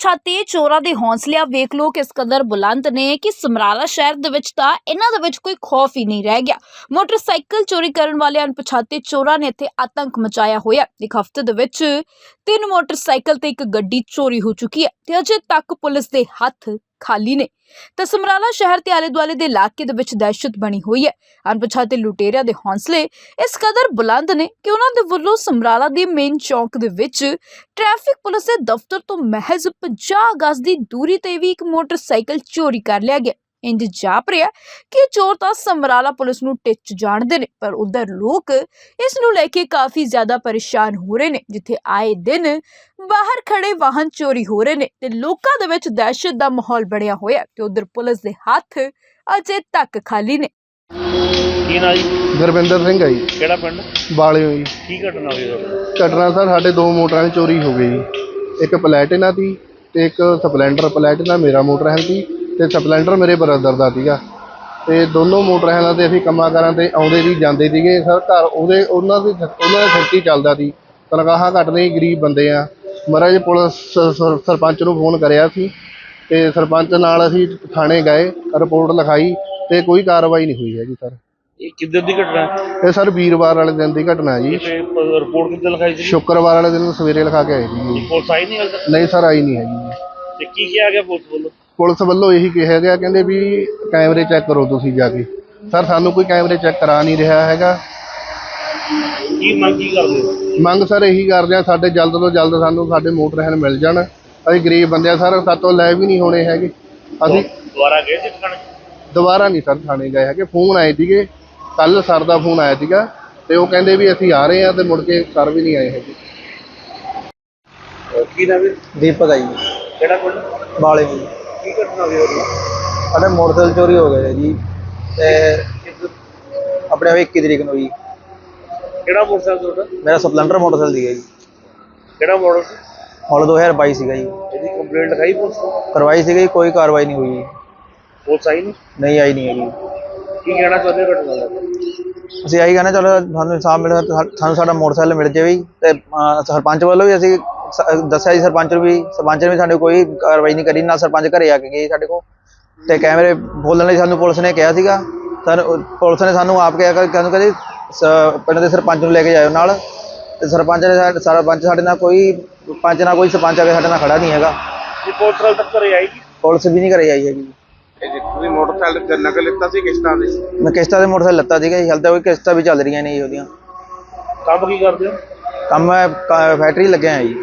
ਅਣਪਛਾਤੇ ਚੋਰਾਂ ਦੇ ਹੌਸਲਿਆਂ ਵੇਖ ਲੋ ਕਿਸ ਕਦਰ ਬੁਲੰਦ ਨੇ ਕਿ ਸਮਰਾਲਾ ਸ਼ਹਿਰ ਦੇ ਵਿੱਚ ਤਾਂ ਇਹਨਾਂ ਦੇ ਵਿੱਚ ਕੋਈ ਖੌਫ ਹੀ ਨਹੀਂ ਰਹਿ ਗਿਆ। ਮੋਟਰਸਾਈਕਲ ਚੋਰੀ ਕਰਨ ਵਾਲੇ ਅਣਪਛਾਤੇ ਚੋਰਾਂ ਨੇ ਇੱਥੇ ਆਤੰਕ ਮਚਾਇਆ ਹੋਇਆ। ਇੱਕ ਹਫ਼ਤੇ ਦੇ ਵਿੱਚ 3 ਮੋਟਰਸਾਈਕਲ ਤੇ ਇੱਕ ਗੱਡੀ ਚੋਰੀ ਹੋ ਚੁੱਕੀ ਹੈ ਤੇ ਅਜੇ ਤੱਕ ਪੁਲਿਸ ਦੇ ਹੱਥ ਖਾਲੀ ਨੇ। ਤਾਂ ਸਮਰਾਲਾ ਸ਼ਹਿਰ ਤੇ ਆਲੇ ਦੁਆਲੇ ਦੇ ਇਲਾਕੇ ਦੇ ਵਿੱਚ ਦਹਿਸ਼ਤ ਬਣੀ ਹੋਈ ਹੈ। ਅਣਪਛਾਤੇ ਲੁਟੇਰਿਆਂ ਦੇ ਹੌਸਲੇ ਇਸ ਕਦਰ ਬੁਲੰਦ ਨੇ ਕਿ ਉਹਨਾਂ ਦੇ ਵੱਲੋਂ ਸਮਰਾਲਾ ਦੇ ਮੇਨ ਚੌਂਕ ਦੇ ਵਿੱਚ ਟ੍ਰੈਫਿਕ ਪੁਲਿਸ ਦੇ ਦਫ਼ਤਰ ਤੋਂ ਮਹਿਜ਼ 50 ਗਜ਼ ਦੀ ਦੂਰੀ ਤੇ ਵੀ ਇੱਕ ਮੋਟਰਸਾਈਕਲ ਚੋਰੀ ਕਰ ਲਿਆ ਗਿਆ। ਇੰਜ ਜਾਪ ਰਿਹਾ ਕਿ ਚੋਰ ਤਾਂ ਸਮਰਾਲਾ ਪੁਲਿਸ ਨੂੰ ਟਿੱਚ ਜਾਣਦੇ ਨੇ, ਪਰ ਉਧਰ ਲੋਕ ਇਸ ਨੂੰ ਲੈ ਕੇ ਕਾਫੀ ਜ਼ਿਆਦਾ ਪਰੇਸ਼ਾਨ ਹੋ ਰਹੇ ਨੇ, ਜਿੱਥੇ ਆਏ ਦਿਨ ਬਾਹਰ ਖੜੇ ਵਾਹਨ ਚੋਰੀ ਹੋ ਰਹੇ ਨੇ ਤੇ ਲੋਕਾਂ ਦੇ ਵਿੱਚ ਦਹਿਸ਼ਤ ਦਾ ਮਾਹੌਲ ਬਣਿਆ ਹੋਇਆ ਤੇ ਉਧਰ ਪੁਲਿਸ ਦੇ ਹੱਥ ਅਜੇ ਤੱਕ ਖਾਲੀ ਨੇ। ਕੀ ਨਾ ਜੀ? ਗੁਰਵਿੰਦਰ ਸਿੰਘ ਹੈ ਜੀ। ਕਿਹੜਾ ਪਿੰਡ? ਬਾਲਿਓ ਜੀ। ਕੀ ਘਟਨਾ ਹੋਈ ਤੁਹਾਡੇ? ਘਟਨਾ ਸਰ ਸਾਡੇ 2 ਮੋਟਰਾਂ ਦੀ ਚੋਰੀ ਹੋ ਗਈ ਜੀ। ਇੱਕ ਪਲੈਟੀਨਾ ਦੀ ਤੇ ਇੱਕ ਸਪਲੈਂਡਰ। ਪਲੈਟੀਨਾ ਮੇਰਾ ਮੋਟਰਸਾਈਕਲ ਸੀ ਤੇ ਸਪਲੈਂਡਰ ਮੇਰੇ ਬ੍ਰਦਰ ਦਾ ਸੀਗਾ ਤੇ ਦੋਨੋਂ ਮੋਟਰਸਾਈਕਲਾਂ ਤੇ ਅਸੀਂ ਕੰਮਾਂ ਕਾਰਾਂ ਤੇ ਆਉਂਦੇ ਸੀ ਜਾਂਦੇ ਸੀਗੇ ਸਰ। ਘਰ ਉਹਨਾਂ ਦੇ ਸਿਰ ਚੱਲਦਾ ਸੀ। ਤਨਖਾਹਾਂ ਘੱਟ ਨਹੀਂ, ਗਰੀਬ ਬੰਦੇ ਆ। ਮਹਾਰਾਜ ਪੁਲਿਸ ਸਰਪੰਚ ਨੂੰ ਫੋਨ ਕਰਿਆ ਸੀ ਤੇ ਸਰਪੰਚ ਨਾਲ ਅਸੀਂ ਥਾਣੇ ਗਏ, ਰਿਪੋਰਟ ਲਿਖਾਈ ਤੇ ਕੋਈ ਕਾਰਵਾਈ ਨਹੀਂ ਹੋਈ ਹੈਗੀ ਸਰ। ਇਹ ਕਿੱਦਾਂ ਦੀ ਘਟਨਾ? ਇਹ ਸਰ ਵੀਰਵਾਰ ਵਾਲੇ ਦਿਨ ਦੀ ਘਟਨਾ ਜੀ। ਰਿਪੋਰਟ ਕਿੱਦਾਂ ਲਿਖਾਈ ਸੀ? ਸ਼ੁੱਕਰਵਾਰ ਵਾਲੇ ਦਿਨ ਸਵੇਰੇ ਲਿਖਾ ਕੇ ਆਏ ਸੀ। ਪੁਲਿਸ ਆਈ ਨਹੀਂ ਹਾਲੇ ਤੱਕ? ਨਹੀਂ ਸਰ, ਆਈ ਨਹੀਂ ਹੈਗੀ। ਤੇ ਕੀ ਕਿਹਾ ਗਿਆ ਪੁਲਿਸ ਵੱਲੋਂ? ਪੁਲਿਸ ਵੱਲੋਂ ਇਹੀ ਕਿਹਾ ਗਿਆ, ਕਹਿੰਦੇ ਵੀ ਕੈਮਰੇ ਚੈੱਕ ਕਰੋ ਤੁਸੀਂ ਜਾ ਕੇ। ਸਰ ਸਾਨੂੰ ਕੋਈ ਕੈਮਰੇ ਚੈੱਕ ਕਰਾ ਨਹੀਂ ਰਿਹਾ ਹੈਗਾ। ਕੀ ਮੰਗ ਕੀ ਕਰਦੇ ਹੋ? ਮੰਗ ਸਰ ਇਹੀ ਕਰਦੇ ਆ, ਸਾਡੇ ਜਲਦ ਤੋਂ ਜਲਦ ਸਾਨੂੰ ਸਾਡੇ ਮੋਟਰਸਾਈਕਲ ਮਿਲ ਜਾਣ। ਅਸੀਂ ਗਰੀਬ ਬੰਦੇ ਆ ਸਰ, ਸਾਤੋਂ ਲੈ ਵੀ ਨਹੀਂ ਹੋਣੇ ਹੈਗੇ। ਅਸੀਂ ਦੁਬਾਰਾ ਗਏ ਸੀ ਥਾਣੇ? ਦੁਬਾਰਾ ਨਹੀਂ ਸਰ ਥਾਣੇ ਗਏ ਹੈਗੇ। ਫੋਨ ਆਏ ਸੀਗੇ, ਕੱਲ ਸਰ ਦਾ ਫੋਨ ਆਇਆ ਸੀਗਾ ਤੇ ਉਹ ਕਹਿੰਦੇ ਵੀ ਅਸੀਂ ਆ ਰਹੇ ਹਾਂ ਤੇ ਮੁੜ ਕੇ ਸਰ ਵੀ ਨਹੀਂ ਆਏ ਹੈਗੇ। ਕੀ ਨਾਮ ਹੈ? ਦੀਪਕ ਆ ਜੀ। ਕਿਹੜਾ ਪਿੰਡ? ਬਾਲੇ ਜੀ। ਕੀ ਘਟਨਾ ਹੋਈ ਉਹਦੀ? ਸਾਡੇ ਮੋਟਰਸਾਈਕਲ ਚੋਰੀ ਹੋ ਗਏ ਜੀ ਤੇ ਆਪਣੇ 21 ਤਰੀਕ ਨੂੰ ਜੀ। ਕਿਹੜਾ ਮੋਟਰਸਾਈਕਲ ਤੁਹਾਡਾ? ਮੇਰਾ ਸਪਲੈਂਡਰ ਮੋਟਰਸਾਈਕਲ ਸੀਗਾ ਜੀ। ਕਿਹੜਾ ਮਾਡਲ ਸੀ? ਮਾਡਲ 2022 ਸੀਗਾ ਜੀ। ਇਹਦੀ ਕੰਪਲੇਂਟ ਲਿਖਾਈ ਪੁਲਿਸ ਨੂੰ? ਕਰਵਾਈ ਸੀਗੀ, ਕੋਈ ਕਾਰਵਾਈ ਨਹੀਂ ਹੋਈ। ਪੁਲਿਸ ਆਈ ਨਹੀਂ? ਨਹੀਂ ਆਈ ਨਹੀਂ ਹੈਗੀ। ਕੀ ਕਹਿਣਾ ਚਾਹੁੰਦੇ ਹੋ ਘਟਨਾ ਦਾ? ਅਸੀਂ ਆਹੀ ਕਹਿੰਦੇ ਚਲੋ ਸਾਨੂੰ ਇਨਸਾਫ ਮਿਲੇ, ਸਾਨੂੰ ਸਾਡਾ ਮੋਟਰਸਾਈਕਲ ਮਿਲ ਜਾਵੇ ਤੇ ਸਰਪੰਚ ਵੱਲੋਂ ਵੀ ਅਸੀਂ ਦੱਸਿਆ ਜੀ ਸਰਪੰਚ ਨੂੰ ਵੀ ਸਾਡੇ ਕੋਈ ਕਾਰਵਾਈ ਨਹੀਂ ਕਰੀ। ਨਾ ਸਰਪੰਚ ਘਰੇ ਆ ਕੇ ਗਏ ਸਾਡੇ ਕੋਲ ਤੇ ਕੈਮਰੇ ਬੋਲਣ ਲਈ ਸਾਨੂੰ ਪੁਲਿਸ ਨੇ ਕਿਹਾ ਸੀਗਾ। ਪੁਲਿਸ ਨੇ ਸਾਨੂੰ ਆਪ ਕਿਹਾ ਕਹਿੰਦੇ ਪਿੰਡ ਦੇ ਸਰਪੰਚ ਨੂੰ ਲੈ ਕੇ ਜਾਇਓ ਨਾਲ, ਤੇ ਸਰਪੰਚ ਸਾਡੇ ਨਾਲ ਕੋਈ ਸਰਪੰਚ ਆ ਕੇ ਸਾਡੇ ਨਾਲ ਖੜਾ ਨਹੀਂ ਹੈਗਾ। ਪੁਲਿਸ ਹਾਲੇ ਤੱਕ ਘਰੇ ਆਈ? ਪੁਲਿਸ ਵੀ ਨਹੀਂ ਘਰੇ ਆਈ ਹੈਗੀ। ਤੁਸੀਂ ਮੋਟਰਸਾਈਕਲ ਨਕਲ ਲਿੱਤਾ ਸੀ ਕਿਸ਼ਤਾਂ ਦੇ? ਮੈਂ ਕਿਸ਼ਤਾਂ ਦੇ ਮੋਟਰਸਾਈਕਲ ਲੱਤਾ ਸੀਗਾ ਜੀ। ਹਾਲੇ ਤੱਕ ਕੋਈ ਕਿਸ਼ਤਾਂ ਵੀ ਚੱਲ ਰਹੀਆਂ ਨੇ ਜੀ ਉਹਦੀਆਂ। ਕੰਮ ਕੀ ਕਰਦੇ ਹੋ? ਕੰਮ ਮੈਂ ਫੈਕਟਰੀ ਲੱਗਿਆ ਜੀ।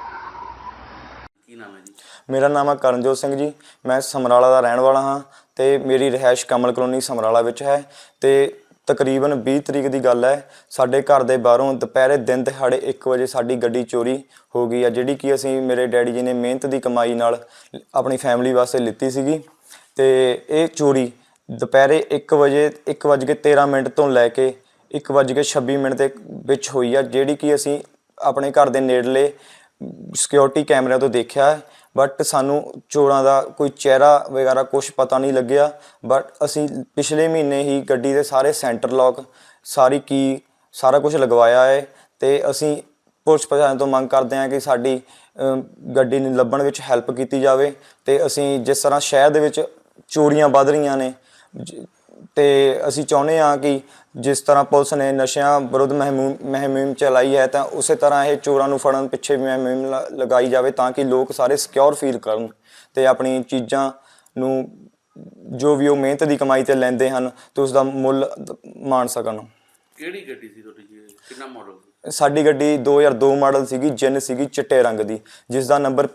ਕੀ ਨਾਮ ਹੈ ਜੀ? ਮੇਰਾ ਨਾਮ ਹੈ ਕਰਨਜੋਤ ਸਿੰਘ ਜੀ। ਮੈਂ ਸਮਰਾਲਾ ਦਾ ਰਹਿਣ ਵਾਲਾ ਹਾਂ ਤੇ ਮੇਰੀ ਰਿਹਾਇਸ਼ ਕਮਲ ਕਲੋਨੀ ਸਮਰਾਲਾ ਵਿੱਚ ਹੈ। ਤੇ ਤਕਰੀਬਨ 20 ਤਰੀਕ ਦੀ ਗੱਲ ਹੈ, ਸਾਡੇ ਘਰ ਦੇ ਬਾਹਰੋਂ ਦੁਪਹਿਰੇ ਦਿਨ ਦਿਹਾੜੇ 1 ਵਜੇ ਸਾਡੀ ਗੱਡੀ ਚੋਰੀ ਹੋ ਗਈ ਹੈ, ਜਿਹੜੀ ਕਿ ਅਸੀਂ ਮੇਰੇ ਡੈਡੀ ਜੀ ਨੇ ਮਿਹਨਤ ਦੀ ਕਮਾਈ ਨਾਲ ਆਪਣੀ ਫੈਮਿਲੀ ਵਾਸਤੇ ਲਿੱਤੀ ਸੀਗੀ। ਤੇ ਇਹ ਚੋਰੀ ਦੁਪਹਿਰੇ 1:13 ਤੋਂ ਲੈ ਕੇ 1:26 ਦੇ ਵਿੱਚ ਹੋਈ ਆ, ਜਿਹੜੀ ਕਿ ਅਸੀਂ ਆਪਣੇ ਘਰ ਦੇ ਨੇੜਲੇ ਸਿਕਿਉਰਿਟੀ ਕੈਮਰਿਆਂ ਤੋਂ ਦੇਖਿਆ ਹੈ। ਬਟ ਸਾਨੂੰ ਚੋਰਾਂ ਦਾ ਕੋਈ ਚਿਹਰਾ ਵਗੈਰਾ ਕੁਛ ਪਤਾ ਨਹੀਂ ਲੱਗਿਆ। ਬਟ ਅਸੀਂ ਪਿਛਲੇ ਮਹੀਨੇ ਹੀ ਗੱਡੀ ਦੇ ਸਾਰੇ ਸੈਂਟਰ ਲੋਕ, ਸਾਰੀ ਕੀ, ਸਾਰਾ ਕੁਝ ਲਗਵਾਇਆ ਹੈ ਤੇ ਅਸੀਂ ਪੁਲਿਸ ਪ੍ਰਸ਼ਾਸਨ ਤੋਂ ਮੰਗ ਕਰਦੇ ਹਾਂ ਕਿ ਸਾਡੀ ਗੱਡੀ ਨੂੰ ਲੱਭਣ ਵਿੱਚ ਹੈਲਪ ਕੀਤੀ ਜਾਵੇ। ਤੇ ਅਸੀਂ ਜਿਸ ਤਰ੍ਹਾਂ ਸ਼ਹਿਰ ਦੇ ਵਿੱਚ ਚੋਰੀਆਂ ਵੱਧ ਰਹੀਆਂ ਨੇ ਤੇ ਅਸੀਂ ਚਾਹੁੰਦੇ ਹਾਂ ਕਿ ਜਿਸ ਤਰ੍ਹਾਂ ਪੁਲਿਸ ਨੇ ਨਸ਼ਿਆਂ ਵਿਰੁੱਧ ਮੁਹਿੰਮ ਚਲਾਈ ਹੈ ਤਾਂ ਉਸੇ ਤਰ੍ਹਾਂ ਇਹ ਚੋਰਾਂ ਨੂੰ ਫੜਨ ਪਿੱਛੇ ਵੀ ਮੁਹਿੰਮ ਲਗਾਈ ਜਾਵੇ, ਤਾਂ ਕਿ ਲੋਕ ਸਾਰੇ ਸਿਕਿਉਰ ਫੀਲ ਕਰਨ ਤੇ ਆਪਣੀ ਚੀਜ਼ਾਂ ਨੂੰ ਜੋ ਵੀ ਉਹ ਮਿਹਨਤ ਦੀ ਕਮਾਈ ਤੇ ਲੈਂਦੇ ਹਨ ਤੇ ਉਸ ਦਾ ਮੁੱਲ ਮਾਣ ਸਕਣ। ਕਿਹੜੀ ਗੱਡੀ ਸੀ ਤੁਹਾਡੀ ਜੀ? ਕਿੰਨਾ ਮਾਡਲ ਸੀ? ਸਾਡੀ ਗੱਡੀ 2002 ਮਾਡਲ ਸੀਗੀ, ਜਿੰਨ ਸੀਗੀ ਚਿੱਟੇ ਰੰਗ ਦੀ, ਜਿਸ ਦਾ ਨੰਬਰ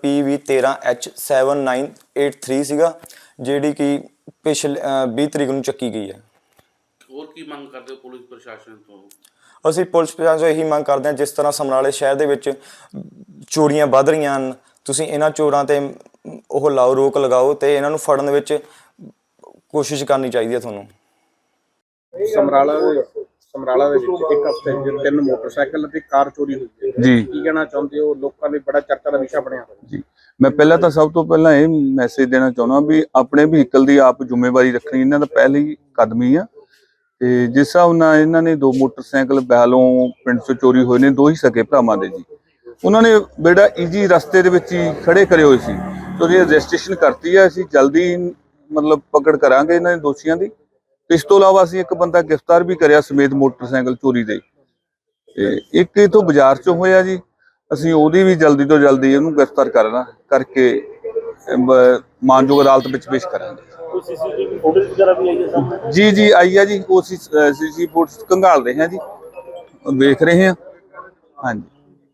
PV13H7983 ਸੀਗਾ, ਜਿਹੜੀ ਕਿ ਪਿਛਲੇ 20 ਤਰੀਕ ਨੂੰ ਚੱਕੀ ਗਈ ਹੈ। ਹੋਰ ਕੀ ਮੰਗ ਕਰਦੇ ਹੋ ਪੁਲਿਸ ਪ੍ਰਸ਼ਾਸਨ ਤੋਂ? ਅਸੀਂ ਪੁਲਿਸ ਪ੍ਰਸ਼ਾਸਨ ਤੋਂ ਇਹੀ ਮੰਗ ਕਰਦੇ ਹਾਂ, ਜਿਸ ਤਰ੍ਹਾਂ ਸਮਰਾਲੇ ਸ਼ਹਿਰ ਦੇ ਵਿੱਚ ਚੋਰੀਆਂ ਵੱਧ ਰਹੀਆਂ ਹਨ, ਤੁਸੀਂ ਇਹਨਾਂ ਚੋਰਾਂ ਤੇ ਉਹ ਲਾਓ, ਰੋਕ ਲਗਾਓ ਤੇ ਇਹਨਾਂ ਨੂੰ ਫੜਨ ਵਿੱਚ ਕੋਸ਼ਿਸ਼ ਕਰਨੀ ਚਾਹੀਦੀ ਹੈ ਤੁਹਾਨੂੰ। ਸਮਰਾਲਾ ਦੇ ਵਿੱਚ ਇੱਕ ਹਫ਼ਤੇ 'ਚ 3 ਮੋਟਰਸਾਈਕਲ ਅਤੇ ਕਾਰ ਚੋਰੀ ਹੋਈ ਹੈ ਜੀ। ਕੀ ਕਹਿਣਾ ਚਾਹੁੰਦੇ ਹੋ? ਲੋਕਾਂ ਦੇ ਬੜਾ ਚਰਚਾ ਦਾ ਵਿਸ਼ਾ ਬਣਿਆ ਹੋਇਆ ਜੀ। ਮੈਂ ਪਹਿਲਾਂ ਤਾਂ ਸਭ ਤੋਂ ਪਹਿਲਾਂ ਇਹ ਮੈਸੇਜ ਦੇਣਾ ਚਾਹੁੰਦਾ ਵੀ ਆਪਣੇ ਵਹੀਕਲ ਦੀ ਆਪ ਜ਼ਿੰਮੇਵਾਰੀ ਰੱਖਣੀ ਇਹਨਾਂ ਦਾ ਪਹਿਲੀ ਕਦਮ ਹੀ ਆ। ਤੇ ਜਿਸ ਹਿਸਾਬ ਨਾਲ ਇਹਨਾਂ ਨੇ 2 ਮੋਟਰਸਾਈਕਲ ਬਹਿਲੋਂ ਪਿੰਡ 'ਚੋਂ ਚੋਰੀ ਹੋਏ ਨੇ, 2 ਹੀ ਸਕੇ ਭਰਾਵਾਂ ਦੇ ਜੀ। ਉਹਨਾਂ ਨੇ ਬੇੜਾ ਈਜੀ ਰਸਤੇ ਦੇ ਵਿੱਚ ਹੀ ਖੜੇ ਕਰੇ ਹੋਏ ਸੀ ਤੇ ਉਹਦੀ ਰਜਿਸਟ੍ਰੇਸ਼ਨ ਕਰਤੀ ਹੈ। ਅਸੀਂ ਜਲਦੀ ਮਤਲਬ ਪਕੜ ਕਰਾਂਗੇ ਇਹਨਾਂ ਦੇ ਦੋਸ਼ੀਆਂ ਦੀ। ਤੇ ਇਸ ਤੋਂ ਇਲਾਵਾ ਅਸੀਂ ਇੱਕ ਬੰਦਾ ਗ੍ਰਿਫਤਾਰ ਵੀ ਕਰਿਆ ਸਮੇਤ ਮੋਟਰਸਾਈਕਲ ਚੋਰੀ ਦੇ। ਤੇ ਇੱਕ ਇਥੋਂ ਬਾਜ਼ਾਰ ਚੋਂ ਹੋਇਆ ਜੀ, ਅਸੀਂ ਉਹਦੀ ਵੀ ਜਲਦੀ ਤੋਂ ਜਲਦੀ ਉਹਨੂੰ ਗ੍ਰਿਫਤਾਰ ਕਰਕੇ ਮਾਨਯੋਗ ਅਦਾਲਤ ਵਿੱਚ ਪੇਸ਼ ਕਰਾਂਗੇ। ਸੀਸੀਟੀਵੀ ਫੁਟੇਜ ਵਗੈਰਾ ਵੀ ਆਈ ਹੈ ਸਾਹਮਣੇ? ਜੀ ਆਈ ਆ ਜੀ, ਉਹ ਸੀਸੀ ਫੁਟੇਜ ਖੰਗਾਲ ਰਹੇ ਹਾਂ ਜੀ, ਵੇਖ ਰਹੇ ਹਾਂ। ਹਾਂਜੀ।